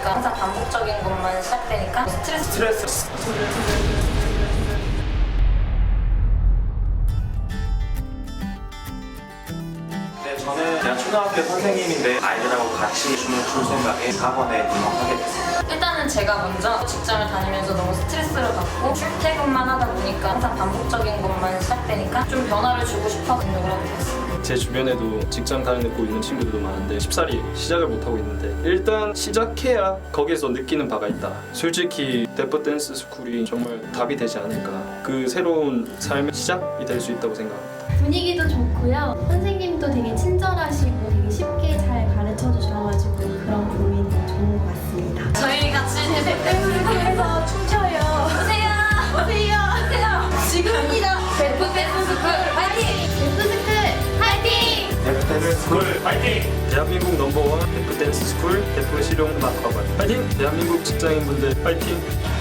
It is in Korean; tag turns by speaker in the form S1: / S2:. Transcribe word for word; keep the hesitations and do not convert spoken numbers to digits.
S1: 보니까 항상 반복적인 것만 시작되니까 스트레스
S2: 스트레스. 네, 저는 그냥 초등학교 선생님인데 아이들하고 같이 춤을 출 생각에 학원에 등록하게 됐습니다.
S1: 일단은 제가 먼저 직장을 다니면서 너무 스트레스를 받고 출퇴근만 하다 보니까 항상 반복적인 것만 시작되니까 좀 변화를 주고 싶어 등록을 하게 됐어요.
S3: 제 주변에도 직장 다니고 있는 친구들도 많은데 쉽사리 시작을 못하고 있는데 일단 시작해야 거기에서 느끼는 바가 있다. 솔직히 데프 댄스 스쿨이 정말 답이 되지 않을까. 그 새로운 삶의 시작이 될 수 있다고 생각합니다.
S4: 분위기도 좋고요. 선생님도 되게 친절하시고 되게 쉽게 잘 가르쳐 주셔가지고 그런 부분이 되게 좋은 것 같습니다.
S1: 저희 같이 데프 댄스
S4: 스쿨에서 춤춰요.
S1: 오세요!
S4: 오세요.
S1: 오세요!
S4: 지금입니다.
S1: 데프 댄스 스쿨 화이팅!
S4: 데프스쿨 화이팅!
S2: 데프 댄스 스쿨
S3: 파이팅! 대한민국 넘버원 데프 댄스 스쿨 데프 실용 음악학원 파이팅! 대한민국 직장인분들 파이팅!